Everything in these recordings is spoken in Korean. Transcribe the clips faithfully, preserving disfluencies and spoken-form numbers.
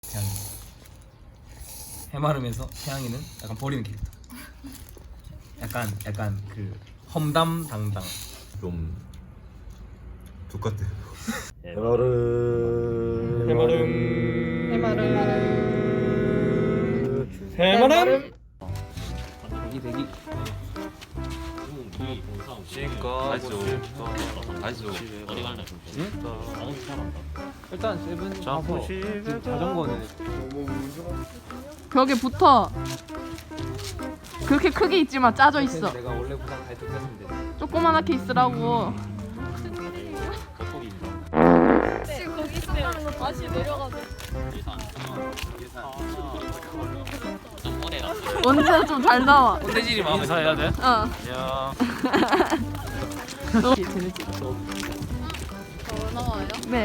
태양이 해마름에서 태양이는 약간 버리는 캐릭터. 약간 약간 그 험담당당. 좀 똑같아. 해마름 해마름 해마름 해마름 대기 대기. 쉴까 싶다. 아이소. 어디 갈래? 응? 자동차 잘한다. 일단 세븐 가서 지금 자전거는 벽에 붙어. 그렇게 크게 있지만 짜져 있어. 내가 원래 부산 갈 때 했는데. 조그만하게 있으라고. 지금 거기 있었다는 거 다시 내려가자. 언제나 좀 잘 나와. 꼰대질이 마음에 인사해야 돼? 어. 야. 너 재밌지? 더 나와요? 네.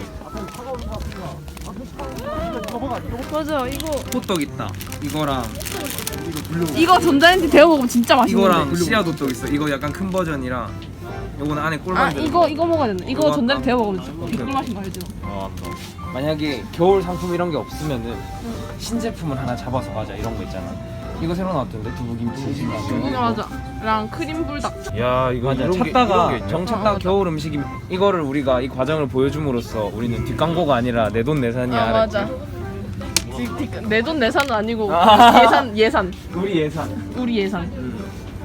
맞아. 이거 호떡 있다. 이거랑 이거 전자레인지 데워 먹으면 진짜 맛있는데. 이거랑 씨앗 호떡 있어. 이거 약간 큰 버전이랑 요거는 안에 아 꿀만 이거 이거 먹어야 된다. 이거 이거 전자레인지 데워 할까? 먹으면 오케이, 개꿀 맛인 거 알죠? 어, 만약에 겨울 상품 이런 게 없으면은 신제품을 하나 잡아서 가자 이런 거 있잖아. 이거 새로 나왔던데 두부김치. 두부 맞아. 랑 크림 불닭. 야 이거 맞아. 이런 게- 찾다가 이런 게 있냐? 정 어, 찾다가 맞아. 겨울 음식이 이거를 우리가 이 과정을 보여줌으로써 우리는 뒷광고가 아니라 내 돈 내산이야. 아 알았지? 맞아. 내 돈 내산은 아니고 아. 예산 예산. 우리 예산. 우리 예산. 음.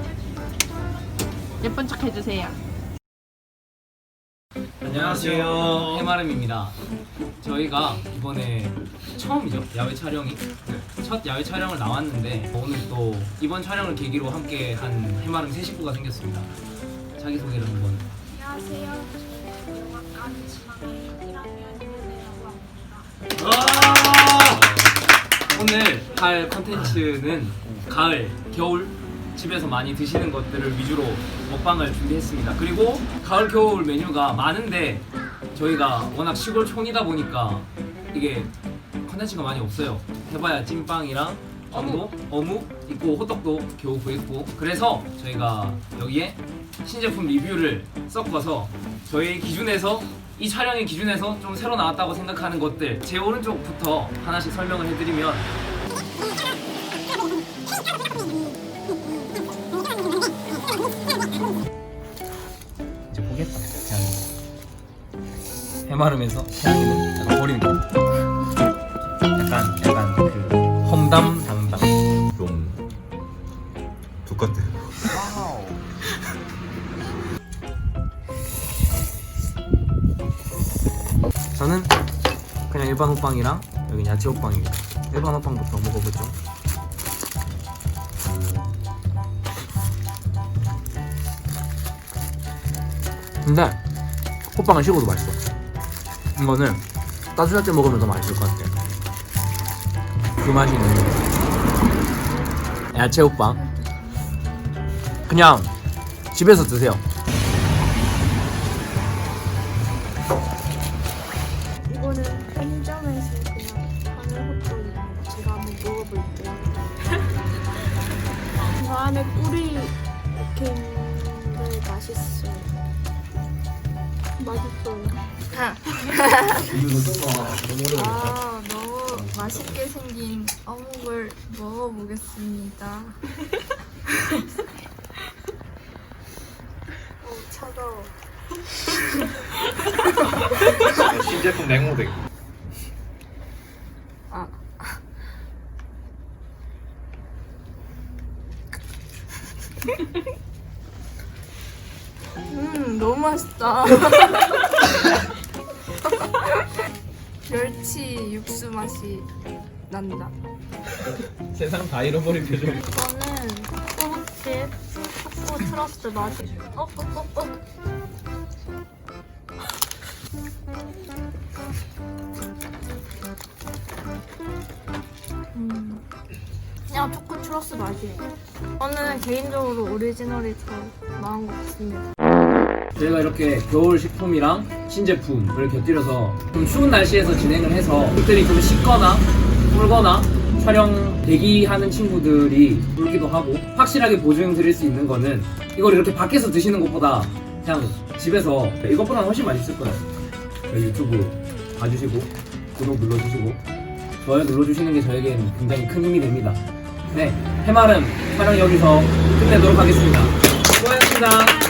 예쁜 척 해주세요. 안녕하세요. 해마름입니다. 저희가 이번에 처음이죠. 야외 촬영이. 첫 야외 촬영을 나왔는데 오늘 또 이번 촬영을 계기로 함께 한 해마름 세 식구가 생겼습니다. 자기소개를 한번. 안녕하세요. 영화과 지망의 일 학년 윤혜라고 합니다. 오늘 할 컨텐츠는 가을, 겨울 집에서 많이 드시는 것들을 위주로 먹방을 준비했습니다. 그리고 가을, 겨울 메뉴가 많은데 저희가 워낙 시골촌이다 보니까 이게 컨텐츠가 많이 없어요. 해봐야 찐빵이랑 정도, 어묵 있고 호떡도 겨우 구했고, 그래서 저희가 여기에 신제품 리뷰를 섞어서 저희 기준에서 이 촬영의 기준에서 좀 새로 나왔다고 생각하는 것들, 제 오른쪽부터 하나씩 설명을 해드리면 이제 보겠다. 태양이 해마름에서 태양이는 약간 버리는 거. 약간 약간 그 험담당당. 좀 똑같아. 저는 그냥 일반 호빵이랑 여기 야채 호빵입니다. 일반 호빵부터 먹어보죠. 근데 호빵은 식어도 맛있어. 이거는 따뜻할 때 먹으면 더 맛있을 것 같아. 그 맛이 있는 거. 야채 호빵. 그냥 집에서 드세요. 이거는 편의점에서 그냥 파는 호떡입니다. 제가 한번 먹어볼게요. 저 안에 꿀이 이렇게 있는데 맛있어요. 맛있어요. 아, 너무 맛있게 생긴 어묵을 먹어보겠습니다. 어, 차가워. 신제품 냉모덱. 아. 음, 너무 맛있다. 멸치 육수 맛이 난다. 세상 다 잃어버린 표정. 이거는 호흡집 초코 트러스트 맛이. 어, 어, 어, 어. 음, 그냥 초코 트러스 맛이에요. 저는 개인적으로 오리지널이 더 나은 것 같습니다. 저희가 이렇게 겨울 식품이랑 신제품을 곁들여서 좀 추운 날씨에서 진행을 해서 그들이 좀 식거나 꿀거나 촬영 대기하는 친구들이 울기도 하고, 확실하게 보증 드릴 수 있는 거는 이걸 이렇게 밖에서 드시는 것보다 그냥 집에서 이것보다 훨씬 맛있을 거예요. 저희 유튜브 봐주시고 구독 눌러주시고 좋아요 눌러주시는 게 저에겐 굉장히 큰 힘이 됩니다. 네, 해마름 촬영 여기서 끝내도록 하겠습니다. 수고하셨습니다.